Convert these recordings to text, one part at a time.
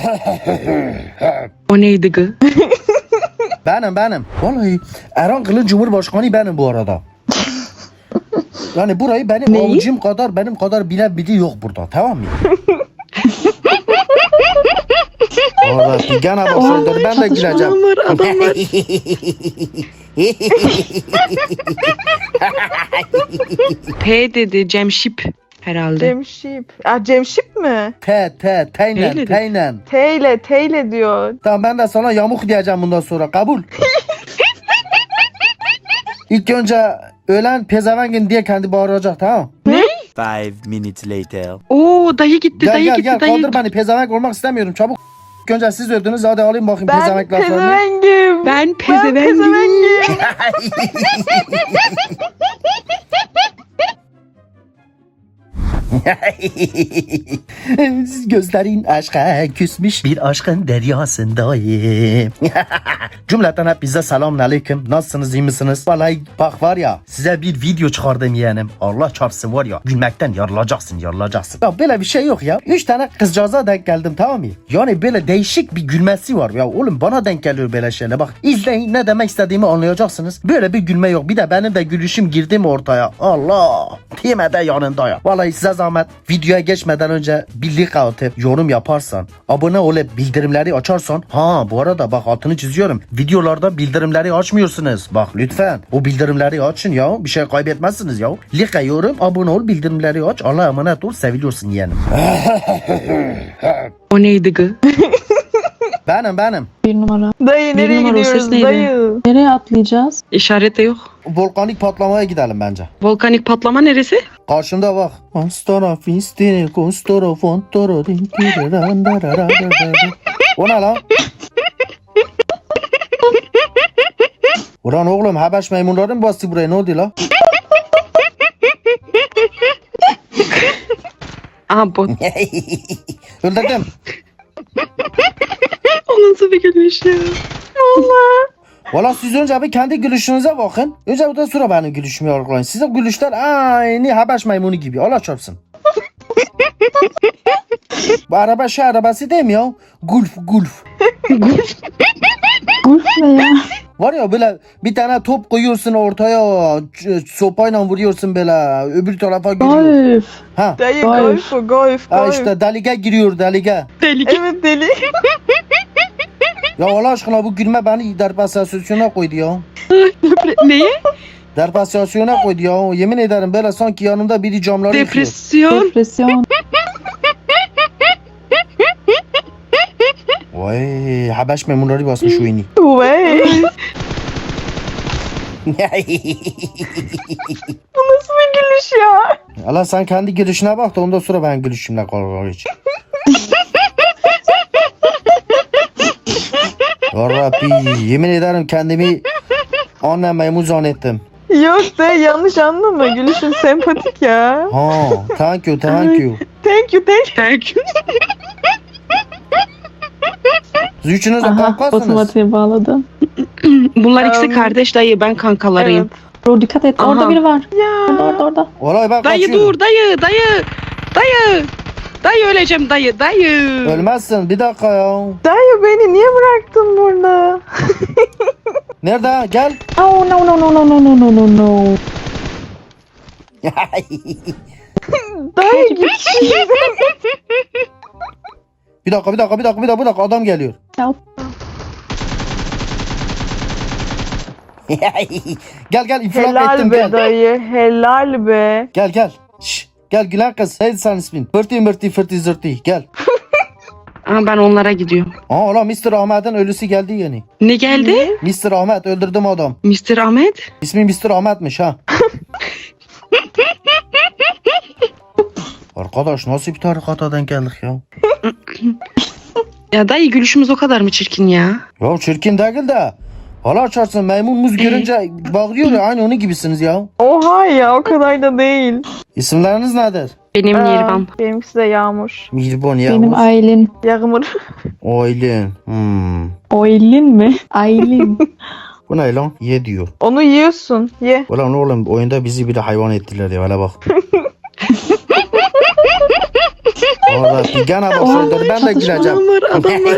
O neydi gı? Benim. Vallahi Erhan Kılıç Cumhurbaşkanı benim bu arada. Yani burayı benim Neyi? avucum kadar benim kadar bilen biri yok burada, tamam mı? Vallahi gene başladılar, ben de güleceğim. Adam var. P dedi Cemşip herhalde. Cemşip. Cemşip mi? Teynen. Teyle diyor. Tamam, ben de sana yamuk diyeceğim bundan sonra, kabul. İlk önce ölen pezevengin diye kendi bağıracak, tamam. 5 minutes later. Oo dayı gitti, Gel kaldır beni, pezevenk olmak istemiyorum, çabuk. İlk önce siz öldünüz, hadi alayım bakayım Ben pezevenk laflarını. pezevengim. Ben pezevengim. Gözlerin aşka küsmüş bir aşkın deryasındayım. Cümleten hepinize selamun aleyküm. Nasılsınız, iyi misiniz? Vallahi bak var ya, size bir video çıkardım yeğenim. Allah çarpsın var ya, gülmekten yarılacaksın. Ya böyle bir şey yok ya. 3 tane kızcağıza denk geldim, tamam mı? Yani böyle değişik bir gülmesi var. Ya oğlum bana denk geliyor böyle şeyler. Bak izleyin, ne demek istediğimi anlayacaksınız. Böyle bir gülme yok. Bir de benim de gülüşüm girdi mi ortaya? Allah! Time de yanında ya. Vallahi size zahmet, videoya geçmeden önce bir like atıp yorum yaparsan, abone olup bildirimleri açarsan. Bu arada bak, altını çiziyorum, videolarda bildirimleri açmıyorsunuz. Bak lütfen o bildirimleri açın ya, bir şey kaybetmezsiniz ya. Like, yorum, abone ol, bildirimleri aç. Allah'a emanet ol, seviliyorsun yeğenim. O neydi gı? Benim. Bir numara. Dayı Bir nereye numara, o ses gidiyoruz neydi? dayı? Nereye atlayacağız? İşaret de yok. Volkanik patlamaya gidelim bence. Volkanik patlama neresi? Karşımda bak. O ne lan? Ulan oğlum, Habeş maymunları mı bastı buraya, ne oldu la? Aha bot. Öldürdüm. O nasıl bir gülüş ya? Valla siz önce bir kendi gülüşünüze bakın. Önce ondan sonra benim gülüşümü yargılayın. Sizin gülüşler aynı Habeş maymunu gibi. Allah çarpsın. Bu araba şey arabası değil mi ya? Gulf. Gulf ne ya? Var ya böyle bir tane top koyuyorsun ortaya, sopayla vuruyorsun böyle, öbür tarafa giriyor. Golf. Ha. Dayı Golf. golf. Ha işte delige giriyor, delige. Deli. Evet deli. Ya Allah aşkına bu gülme beni depresyona koydu ya. Neye? Depresyona koydu ya. Yemin ederim böyle sanki yanımda biri camları yıkıyor. Depresyon. Depresyon. Vay, Habeş maymunları basmış oyunu. Vay. Bu nasıl bir gülüş ya? Allah, sen kendi gülüşüne bak da ondan sonra ben gülüşümle kavga geç. Ya Rabbi, yemin ederim kendimi annem maymun zannettim. Yok dayı, yanlış anlama. Gülüşün sempatik ya. Thank you. Thank you. Thank you. Siz üçünüz de Aha, kankasınız. otomatiğe bağladım. Bunlar ikisi kardeş dayı, ben kankalarıyım. Evet. Bro dikkat et, orada Aha. biri var. Ya. Orada. Vallahi ben Dayı kaçıyorum. dur dayı öleceğim dayı. Ölmezsin, bir dakika ya. Dayı beni niye bıraktın burada? Nerede? Gel. Oh no. Dayı git. Bir dakika, adam geliyor. Help. Gel infilak Helal ettim, be gel. dayı. Helal be. Gel. Şşş. Gel gülen kız. Neydi senin ismin? Fırtı zırtı. Gel. Ama ben onlara gidiyorum. Ulan Mr. Ahmet'in ölüsü geldi yeni. Ne geldi? Mr. Ahmet, öldürdüm adam. Mr. Ahmet? İsmi Mr. Ahmet'miş ha. Arkadaş, nasıl bir tarikata denk geldik ya? Ya dayı, gülüşümüz o kadar mı çirkin ya? Ya çirkin değil de. Hala açarsın, maymun muz görünce bağırıyor ya, aynı onun gibisiniz ya. Oha ya, o kadar da değil. İsimleriniz nedir? Benim Nirvan. Benimkisi de Yağmur. Mihriban ya. Benim Aylin. Yağmur. Aylin. Aylin mi? Aylin. Bu ne lan? Ye diyor. Onu yiyorsun. Ye. Ulan oğlum, oyunda bizi bir de hayvan ettiler ya, hele bak. Yarabbi gene başladı. Ben de çatışma güleceğim. Adam var, adam var.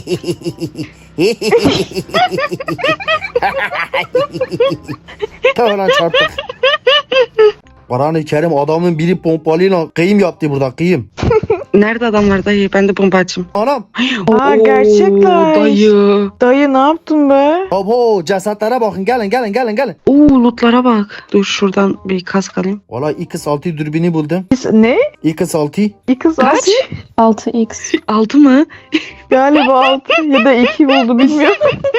Tamam çarptık. Kur'an-ı Kerim adamın biri pompalıyla kıyım yaptı burada kıyım. Nerede adam var dayı? Ben de bombacım. Anam. Aa, gerçekler. Dayı. Dayı ne yaptın be? Abo cesetlere bakın gelin. Oo lootlara bak. Dur şuradan bir kask alayım. Valla X6 dürbünü buldum. Ne? X6. İki Kaç? saat. 6x. 6 mı? Galiba 6 ya da 2 buldu bilmiyorum.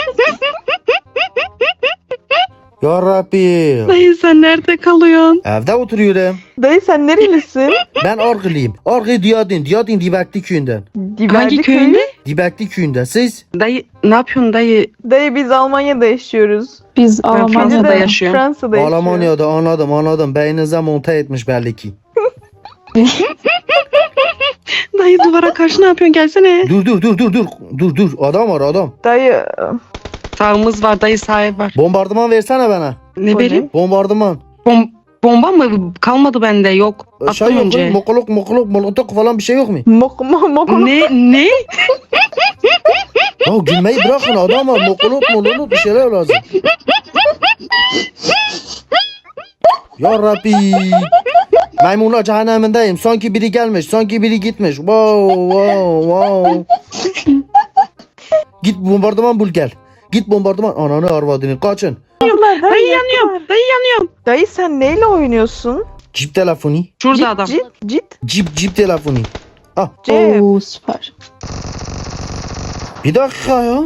Yarabbi. Dayı sen nerede kalıyorsun? Evde oturuyorum. Dayı sen nerelisin? Ben Argılıyım. Argı Diyadin. Diyadin Dibekli köyünden. Hangi köyünde? Dibekli köyünde. Siz? Dayı ne yapıyorsun dayı? Dayı biz Almanya'da yaşıyoruz. Biz Fransa'da Almanya'da yaşıyorum. Fransa'da yaşıyoruz. Almanya'da anladım. Beyninize monte etmiş belli ki. Dayı duvara karşı ne yapıyorsun? Gelsene. Dur. Adam var adam. Dayı Sağımız var dayı sahibi var. Bombardıman versene bana. Ne O vereyim? Bombardıman. Bomba mı? Kalmadı bende yok. Şey Attım yok önce. mu? Mokoluk, molotok falan bir şey yok mu? mok. Ne? Ya gülmeyi bırakın adam var. Mokoluk bir şeyler lazım. Ya Rabbi. Maymunlar cehennemindeyim. Sanki biri gelmiş. Sanki biri gitmiş. Wow. Git bombardıman bul gel. Git bombardıman. Ananı arvadını kaçın. Dayı yanıyorum. Dayı sen neyle oynuyorsun? Cip telefonu. Şurada adam. Cit. Cip telefonu. Ah. Cep. Oo süper. Bir dakika ya.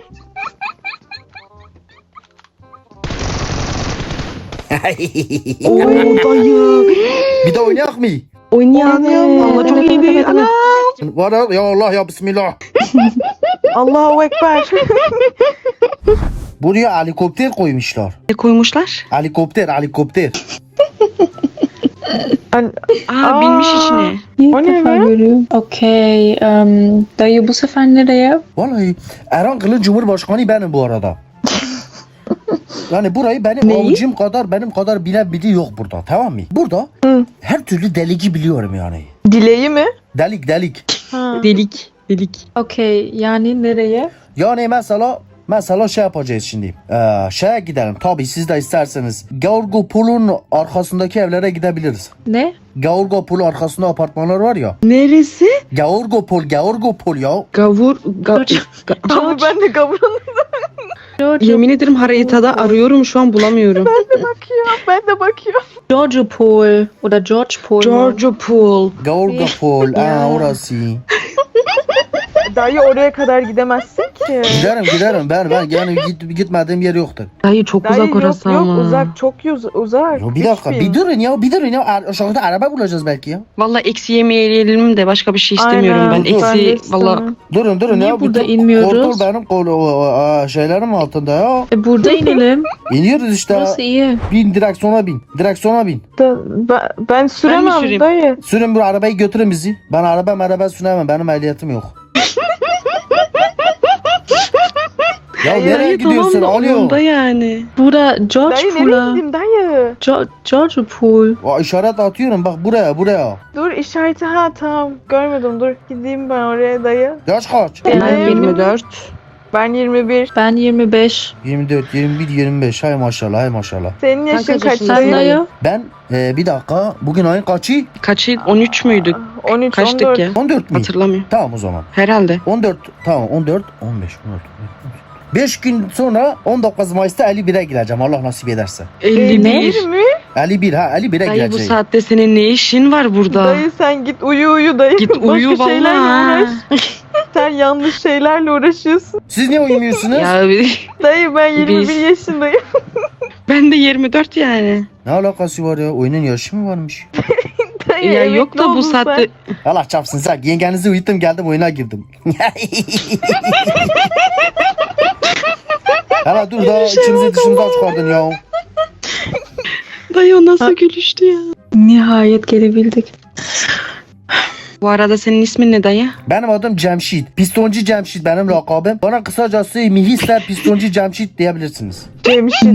Oo dayı. Bir de oynayak mı? Oynayalım. Valla çok iyiydi. Ana. Var ya Allah ya bismillah. Allahu Ekber. Buraya helikopter koymuşlar. Ne koymuşlar? Helikopter. Aa binmiş içine. İlk O ne defa be? görüyorum. Okey. Dayı bu sefer nereye? Vallahi Erhan Kılıç Cumhurbaşkanı benim bu arada. Yani burayı benim Neyi? avucum kadar benim kadar bilen biri yok burada, tamam mı? Burada Hı. her türlü deligi biliyorum yani. Dileği mi? Delik. Ha. Delik. Okey. Yani nereye? Yani mesela şey yapacağız şimdi. Şeye gidelim. Tabii siz de isterseniz. Georgopol'un arkasındaki evlere gidebiliriz. Ne? Georgopol arkasında apartmanlar var ya. Neresi? Georgopol ya. Gavur. Abi ben de kavuralım. Yemin ederim haritada arıyorum şu an bulamıyorum. Ben de bakıyorum. George Paul oder George Paul. Georgia Pool. Georgopol. Ya. Orası. Dayı oraya kadar gidemezsin ki. Giderim. Ben yani gitmediğim yer yoktur. Dayı çok Dayı uzak yok orası ama. uzak çok uzak. Ya bir dakika bir durun ya. Aşağıda araba bulacağız belki ya. Valla eksi yemeyelim de başka bir şey istemiyorum Aynen, ben. ben de Eksi valla. istemem. Durun Niye ya. burada bütün inmiyoruz? Kontrol benim şeylerim altında ya. Burada inelim. İniyoruz işte. Burası iyi. Direksiyona bin. Ben süremem süreyim? dayı. Sürün bu arabayı götürün bizi. Ben araba süremem. Benim ehliyetim yok. Ya nereye Dayı gidiyorsun? tamam da Alıyor. onda yani. Burada George Dayı nereye Pool'a. gideyim dayı? George Pool. O işaret atıyorum bak buraya. Dur işareti tamam görmedim dur gideyim ben oraya dayı. Yaş kaç? Ben Dayı. 24. Ben 21. Ben 25. 24, 21, 25. Hay maşallah. Senin yaşın kaç kaç yaşındasın? dayı? Sen dayı? Ben bir dakika. Bugün ayın kaçı? Kaçı? 13 müydük? 13, Kaçtık 14. ya? 14 mi? Hatırlamıyorum. Tamam o zaman. Herhalde. 14 tamam 14 15 5 gün sonra 19 Mayıs'ta 51'e gireceğim Allah nasip ederse. 51. mi? 51'e Dayı bu gireceğim. saatte senin ne işin var burada? Dayı sen git uyu dayı. Git uyu Başka şeylerle valla. uğraş. Sen yanlış şeylerle uğraşıyorsun. Siz niye uyumuyorsunuz? Ya Dayı ben 21 Biz- yaşındayım. ben de 24 yani. Ne alakası var ya? Oyunun yaşı mı varmış? Dayı Ya emekli yok da bu oldun saatte sen. Allah çapsın sen. Yengenizi uyuttum geldim oyuna girdim. Hala dur da içimizi dışımıza çıkardın ya. dayı o nasıl gülüştü ya. Nihayet gelebildik. Bu arada senin ismin ne dayı? Benim adım Cemşit. Pistoncu Cemşit benim lakabım. Bana kısacası Mihisler Pistoncu Cemşit diyebilirsiniz. Cemşit.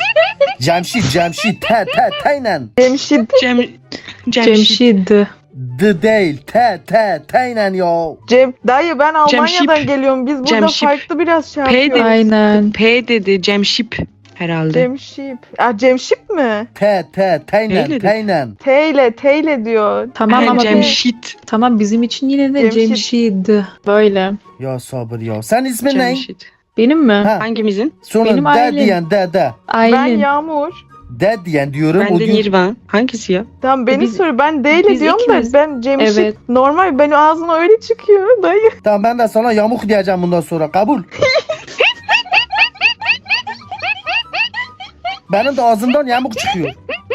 Cemşit. Taynen. Cemşit. Cemşit. Cemşid. D değil. T'yle ya. Dayı ben Almanya'dan Cemşip. geliyorum. Biz burada Cemşip. farklı biraz şey P yapıyoruz. Aynen. P dedi Cemşip herhalde. Cemşip. Cemşip mi? T'yle. T ile diyor. Tamam ama Cemşit. tamam bizim için yine de Cemşit. Cemşid. Böyle. Ya sabır ya. Sen ismin ne? Cemşit. Benim mi? Ha. Hangimizin? Sonra Benim D ailem. diyen D. Ben Aylin. Yağmur. D diyen diyorum. Ben o de gün Nirvan. Hangisi ya? Tamam beni Biz- soruyor. Ben D ile biz diyorum ikimiz. da ben Cemşip. Evet. Normal benim ağzıma öyle çıkıyor dayı. Tamam ben de sana yamuk diyeceğim bundan sonra. Kabul. Benim de ağzımdan yamuk çıkıyor.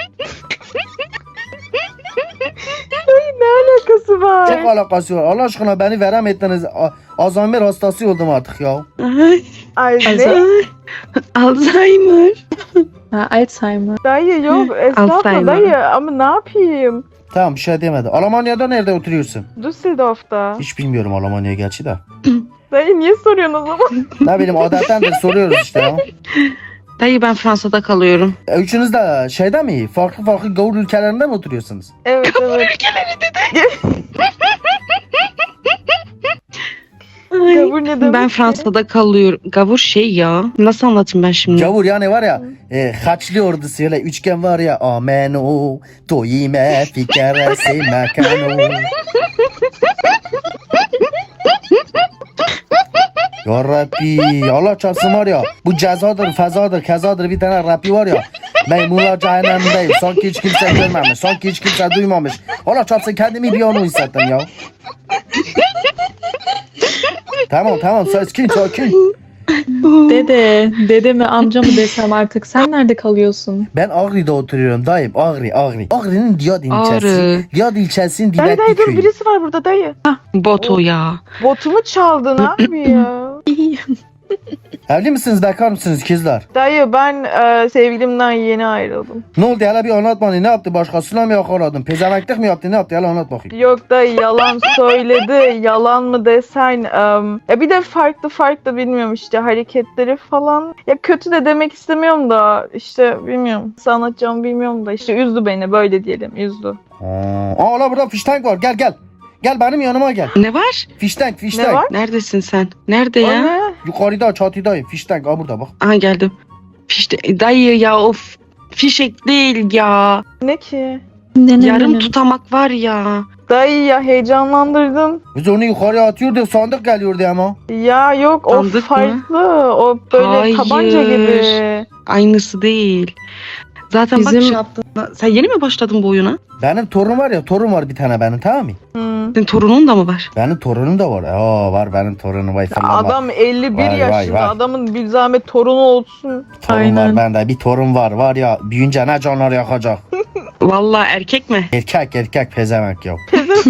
Ne alakası var? Çok alakası var. Allah aşkına beni verem ettiniz. Alzheimer hastası oldum artık ya. Ay, Ay ne? Alzheimer. Alzheimer. Ha, Alzheimer. Dayı yok estağfurullah Alzheimer. dayı ama ne yapayım? Tamam bir şey demedi. Almanya'da nerede oturuyorsun? Düsseldorf'ta. Hiç bilmiyorum Almanya gerçi de. Dayı niye soruyorsun o zaman? Ne bileyim adettendir soruyoruz işte ya. Dayı ben Fransa'da kalıyorum. Üçünüz de şeyde mi? Farklı gavur ülkelerinde mi oturuyorsunuz? Evet evet. Ay, Gavur ne demek ben ki? Fransa'da kalıyorum. Gavur şey ya. Nasıl anlatayım ben şimdi? Gavur yani var ya Haçlı ordusu öyle üçgen var ya amenu toyime fikeresi mekanu. Ya Rabbi Allah çarpsın var ya bu cezadır fezadır kezadır bir tane Rabbi var ya Meymunlar cehennemindeyim sanki hiç kimse görmemiş sanki hiç kimse duymamış Allah çarpsın kendimi bir an hissettim ya. Tamam sakin. Dede mi amca mı desem artık. Sen nerede kalıyorsun? Ben Ağrı'da oturuyorum dayım Ağrı. Ağrı'nın Diyad ilçesi. Ağrı. Diyad ilçesinin Dayı Dibetli dayı dur köyü. birisi var burada dayı. Boto ya. Botumu çaldın abi ya. Evli misiniz bekar mısınız kızlar? Dayı ben sevgilimden yeni ayrıldım. Ne oldu hele bir anlat bana ne yaptı başkasıyla mı yakaladın? Pezemeklik mi yaptı ne yaptı hele anlat bakayım. Yok dayı yalan söyledi. Yalan mı desen. Ya bir de farklı bilmiyorum işte hareketleri falan. Ya kötü de demek istemiyorum da işte bilmiyorum. Nasıl anlatacağımı bilmiyorum da işte üzdü beni böyle diyelim üzdü. Aa la burada fiştank var gel. Gel benim yanıma gel. Ne var? Fiştank. Ne var? Neredesin sen? Nerede O ya? ne? Yukarıda çatıdayım fiştank aa burada bak. Aha geldim. Fişte, dayı ya of. Fişek değil ya. Ne ki? Yarım tutamak var ya. Dayı ya heyecanlandırdın. Biz onu yukarıya atıyorduk sandık geliyordu ama. Ya yok o Sandık mı? farklı. O böyle Hayır. tabanca gibi. Aynısı değil. Zaten bak Bizim- şey yaptın. Sen yeni mi başladın bu oyuna? Benim torun var ya torun var bir tane benim tamam mı? Senin torunun da mı var? Benim torunum da var. Aa var benim torunum vay fırlama. Adam 51 Vay, yaşında. vay. Adamın bir zahmet torunu olsun. Torun Aynen. var bende bir torun var ya büyüyünce ne canlar yakacak. Vallahi erkek mi? Erkek pezevenk ya.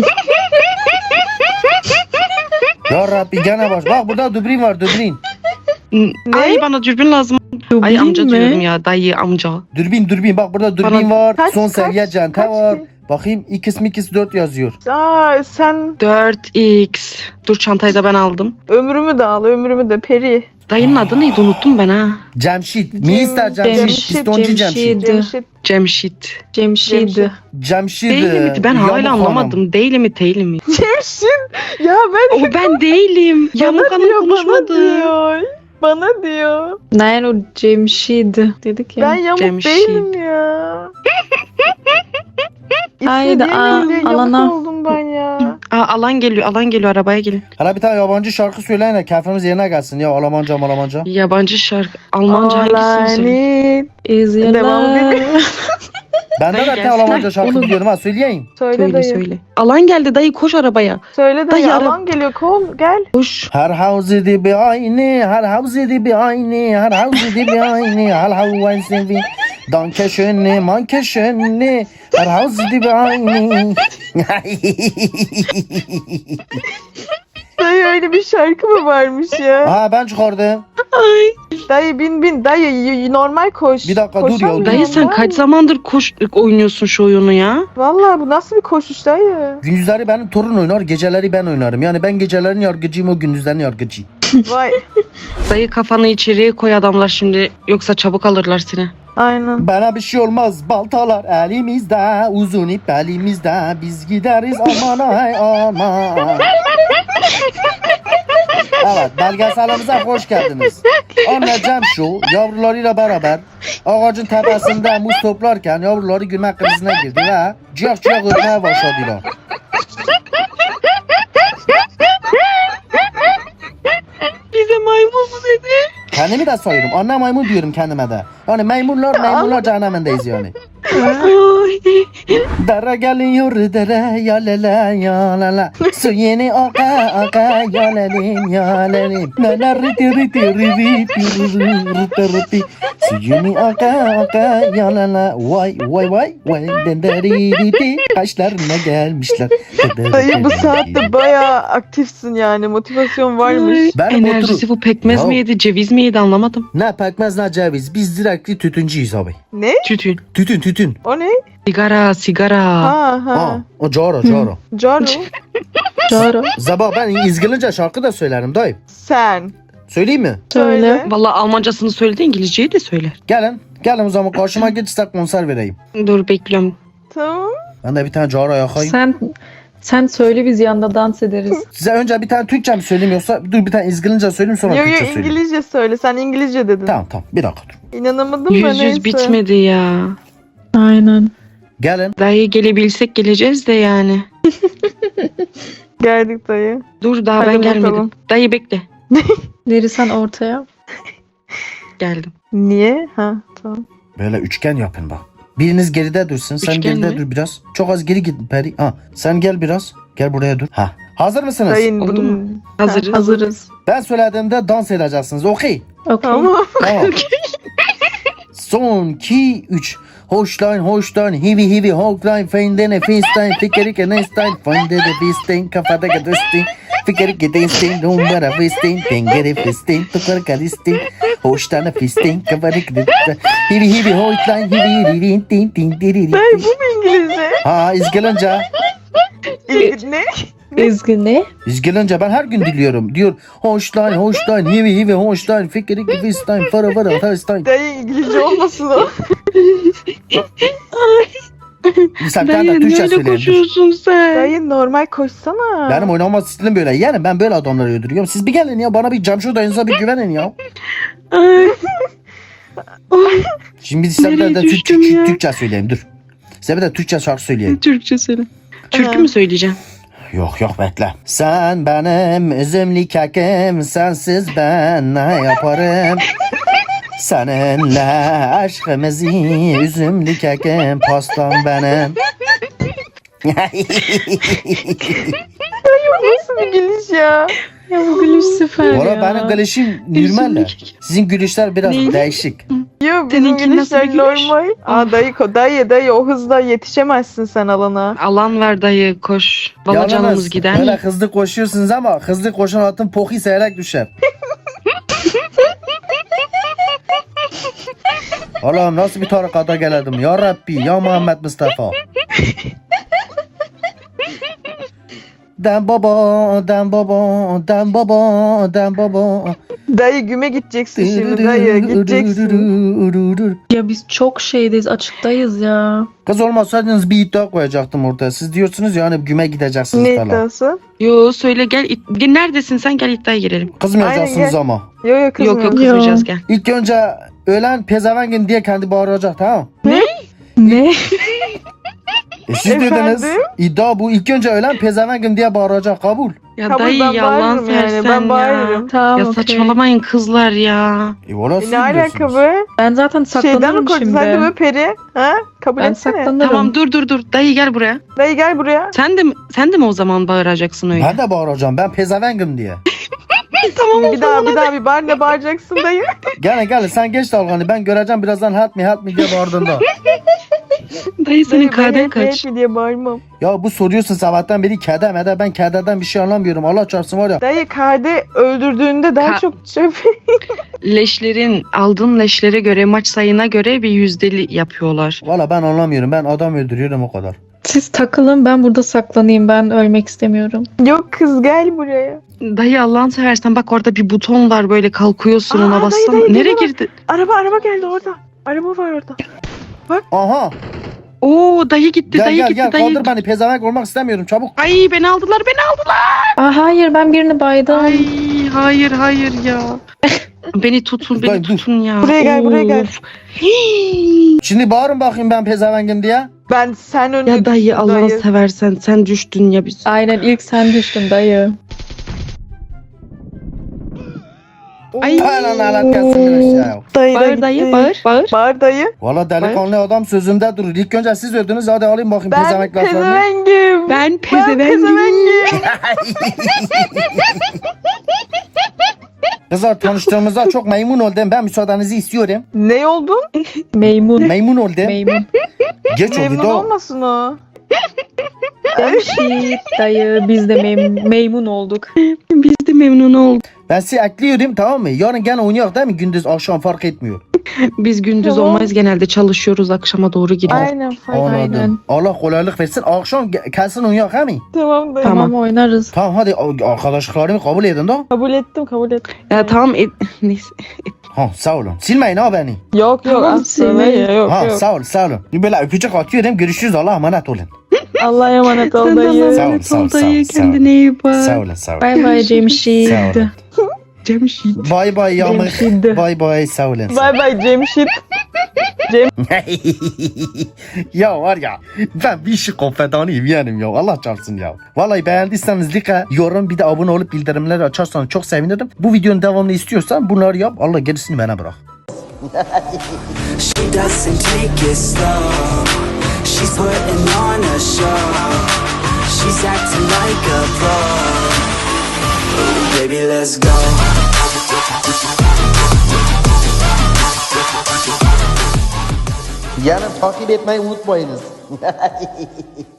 Ya Rabbi gene baş. Bak burada dübrin var dübrin. Ay bana dürbün lazım. Ay amca diyorum ya dayı amca. Dürbün bak burada dürbün Bana- var. Kaç, Son kaç, seviye cente kaç var. ki? Bakayım x 4 yazıyor. Aa sen 4x. Dur çantayı da ben aldım. ömrümü de al ömrümü de peri. Dayının adı neydi unuttum ben ha. Cemşit. Mister Cemşit. Cemşit, Pistoncu Cemşit. Cemşit. Cemşit. Cemşid. Cemşit. Değil mi? Ben Yamuk hala Hanım. anlamadım. Değil mi değil mi? Cemşit. Ya ben O ben değilim. Yamuk bana Hanım diyor bana konuşmadı. diyor. Bana diyor. Nein o Cemşid dedik ya. Ben yamuk Cemşit. değilim ya. Haydi, İstediğim diye yamuk alana. oldum ben ya. Aa, alan geliyor arabaya gelin. Hala bir tane yabancı şarkı söyleyin de keyfimiz yerine gelsin ya Almanca. Yabancı şarkı. Almanca All hangisini I söyleyeyim? need. Is your Devam love. edelim. Ben de Dayı bir tane gelsin. Almanca şarkı Olur. biliyorum ha söyleyeyim. Söyle dayı. Söyle. Alan geldi dayı koş arabaya. Söyle dayı. Dayı, Alan geliyor kol gel. Koş. Her havze di bi ayni, her havze di bi ayni, her havze di bi ayni, her havze di danke schönni, manke schönni, her havze di bi ayni. Dayı öyle bir şarkı mı varmış ya? Ha ben çıkardım. Ay. Dayı bin dayı normal koş. Bir dakika, dur ya, Koşamıyorum Dayı sen ben. kaç zamandır oynuyorsun şu oyunu ya? Vallahi bu nasıl bir koşuş dayı? Gündüzleri benim torun oynar, geceleri ben oynarım. Yani ben gecelerin yargıcıyım, o gündüzlerin yargıcı. Vay. Dayı kafanı içeriye koy adamlar şimdi. Yoksa çabuk alırlar seni. Aynen. Bana bir şey olmaz. Baltalar elimizde, uzun ip elimizde. Biz gideriz aman ay aman. Evet, belgeselimize hoş geldiniz. Anne Cemşu yavrularıyla beraber ağacın tepesinde muz toplarken yavruları gülme krizine girdi ve ciyak ciyak ötmeye başladılar. Bize maymun mu dedi? Kendimi de sayıyorum. Anne maymun diyorum kendime de. Yani maymunlar cehennemindeyiz yani. Dere geliyor dere ya lele ya lele. Su yeni aka aka ya lelim ya lelim. Lele riti riti riti riti riti. Su yeni aka aka ya lele. Vay vay vay vay. Denderi riti. Kaşlarına gelmişler. Dayı bu saatte bayağı aktifsin yani. Motivasyon varmış. Benim Enerjisi bu pekmez Ya. mi yedi, ceviz mi yedi anlamadım. Ne pekmez ne ceviz. Biz direktli tütüncüyüz abi. Ne? Tütün. Tütün. O ne? Sigara. Ha Ha, ha. o caro. Caru. Doğru. Zaba ben İzgilince şarkı da söylerim dayı. Sen. Söyleyeyim mi? Söyle. Vallahi Almancasını söyledi, İngilizceyi de söyler. Gelin o zaman karşıma geç size konser vereyim. Dur bekliyorum. Tamam. Ben de bir tane caro yakayım. Sen söyle biz yanında dans ederiz. Size önce bir tane Türkçe mi söyleyeyim yoksa dur bir tane İzgilince söyleyeyim sonra Yo yo Türkçe söyleyeyim. İngilizce söyle. Sen İngilizce dedin. Tamam bir dakika dur. İnanamadım da Yüz neyse. bitmedi ya. Aynen. Gelin. Dayı gelebilsek geleceğiz de yani. Geldik dayı. Dur daha Hadi ben gelmedim. bakalım. Dayı bekle. Neri sen ortaya. Geldim. Niye? Ha tamam. Böyle üçgen yapın bak. Biriniz geride dursun. Sen Üçgen geride mi? dur biraz. Çok az geri git Peri. Ha, sen gel biraz. Gel buraya dur. Ha. Hazır mısınız? Dayın Oldu bunun... mu? Hazırız. Hazırız. Ben söylediğimde dans edeceksiniz. Okey. Okey. Tamam. Tamam. Son 2 3 Hoşlan hivi Hochlein Feindene Feinstein Fikerike Neinstein Feinde de Bistein Kafada Gadestin Fikerike Deinstein Dumbara Fistein Tengere Fistein Tukar Kadistin Hoştana Fistein Kafadik Hivi Hochlein Hivi Tin Tin Tin Dayı bu mu İngilizce? Ha İzgilince Ne? Ezgi ne? İzgilince ben her gün diliyorum. Diyor Hoşlan hivi Hoşlan Fikerike Fistein Fara Fistein. Dayı İngilizce olmasın o. Sen Dayı de ne Türkçe öyle söyleyin. koşuyorsun sen? Dayı normal koşsana. Benim oynama stilim böyle. Yani ben böyle adamları öldürüyorum. Siz bir gelin ya bana bir Cemşo dayınıza bir güvenin ya. Ay. Şimdi size bir Nereye de düştüm ya? Türkçe söyleyeyim dur. Size bir de Türkçe şarkı söyleyeyim. Türkçe söyle. Türkü Aha. mü söyleyeceksin? Yok bekle. Sen benim üzümlü kekim, sensiz ben ne yaparım? Seninle aşkımızı üzümlü kekim, pastam benim. Nasıl bir gülüş ya? Ya bu gülüş süper Valla ya. benim gülüşüm normal. Sizin gülüşler biraz Ne? değişik. Yo bizim Seninki nasıl bir gülüşler gülüş? normal. Aa dayı o hızla yetişemezsin sen alana. Alan ver dayı koş. Valla Yalnız canımız gider. Böyle hızlı koşuyorsunuz ama hızlı koşan atın poki seyrek düşer. Allah'ım nasıl bir tarikata geldim ya Rabbi ya Muhammed Mustafa. Den baba. Dayı güme gideceksin şimdi dayı gideceksin. Ya biz çok şeydeyiz, açıktayız ya. Kız olmasaydınız bir iddia koyacaktım ortaya. Siz diyorsunuz ya hani güme gideceksiniz Ne falan. iddiası? Yo söyle gel. Neredesin sen, gel iddiaya girelim. Kızmayacaksınız Aynen, gel. ama. Yo kızım Yok kızmayacağız gel. İlk önce ölen pezevengin diye kendi bağıracak tamam. Ne? Siz Efendim? dediniz iddia bu. İlk önce ölen pezevengin diye bağıracak kabul. Ya Kabul, dayı ben yalan bağırırım yani, sersen ben ya. bağırırım. Tamam Ya okey. saçmalamayın kızlar ya. Valla siz Ne alaka biliyorsunuz. be? Ben zaten Şeyden mi saklanırım korktun şimdi. sen de böyle peri? Ha? Kabul Ben etsene. saklanırım. Tamam dur. Dayı gel buraya. Dayı gel buraya. Sen de mi o zaman bağıracaksın öyle? Ben de bağıracağım. Ben pezevengim diye. Tamam Bir daha bir bağır ne bağıracaksın dayı? Gelin sen geç dalganı. Ben göreceğim birazdan help me diye bağırdığında. Dayı senin Dayı, ben kaden hep kaç? mi diye bağırmam. Ya bu soruyorsun sabahtan beri kede mede. Ben kededen bir şey anlamıyorum. Allah çarpsın var ya. Dayı kade öldürdüğünde daha Ka- çok şey Aldığın leşlere göre, maç sayına göre bir yüzdeli yapıyorlar. Valla ben anlamıyorum. Ben adam öldürüyorum o kadar. Siz takılın, ben burada saklanayım. Ben ölmek istemiyorum. Yok kız gel buraya. Dayı Allah'ını seversen bak orada bir buton var böyle kalkıyorsun Aa, ona dayı, bassana. dayı, Nereye geliyor. girdi? Araba geldi orada. Araba var orada. Aha. Oo dayı gitti Gel dayı gel gitti gel dayı. kaldır beni. Pezevenk olmak istemiyorum çabuk. Ay beni aldılar. Aa, hayır, ben birini baydım. Ay hayır ya. Beni tutun Dayı, beni dur. tutun ya. Buraya gel, buraya gel. Of. Hii. Şimdi bağırın bakayım ben pezevenkim diye. Ben sen önce Ya dayı düştün, Allah'ını dayı. seversen sen düştün ya biz. Aynen, ilk sen düştün dayı. Ay. Aynen alet gelsin bir aşağı. Dayı da Bağır gitti. dayı bağır. Bağır dayı. Valla delikanlı adam sözünde durur. İlk önce siz öldünüz hadi alayım bakayım Ben pezevenk laflarını. pezevengim. Ben pezevengim. Kızlar tanıştığımızda çok memnun oldum. Ben müsaadenizi istiyorum. Ne oldun? Meymun. Memnun oldum. Meymun. Geç oldu Memnun da. olmasın o. Cemşit dayı, biz de meymun olduk. Biz de memnun olduk. Ben sizi ekliyorum tamam mı? Yarın gene oynayak değil mi? Gündüz akşam fark etmiyor. Biz gündüz Tamam. olmayız genelde çalışıyoruz akşama doğru gidiyoruz. Aynen fark. Anladım. Aynen. Allah kolaylık versin. Akşam kelsin oynayak he mi? Tamam dayı. Tamam, oynarız. Tamam hadi arkadaşlıklarımı kabul edin da. Kabul ettim. Ya tamam neyse. Ha sağ olun. Silmeyin ha beni. Yok Tamam, asla sevmeyi. yok Ha yok. sağ olun. Böyle öpücük atıyorum. Görüşürüz. Allah'a emanet olun. Allah'a emanet ol Sen de dayı. Allah'a Sağ ol, emanet sağ ol, ol sağ ol, dayı. sağ ol. Kendine iyi bak. Sağ olun sağ olun. Bay bay Cemşit. Sağ olun. Cemşit. Bay bay yamık. Cemşit. Bay bay sağ olun. Bay bay Cemşit. Ya var ya ben bir işi konfedanıyım yeğenim ya Allah çarpsın ya. Vallahi beğendiyseniz like, yorum bir de abone olup bildirimleri açarsanız çok sevinirim. Bu videonun devamını istiyorsan bunları yap Allah gerisini bana bırak. She doesn't take it slow. She's putting on a show. She's acting like a pro. Ooh, baby, let's go. Yarın takip etmeyi unutmayınız.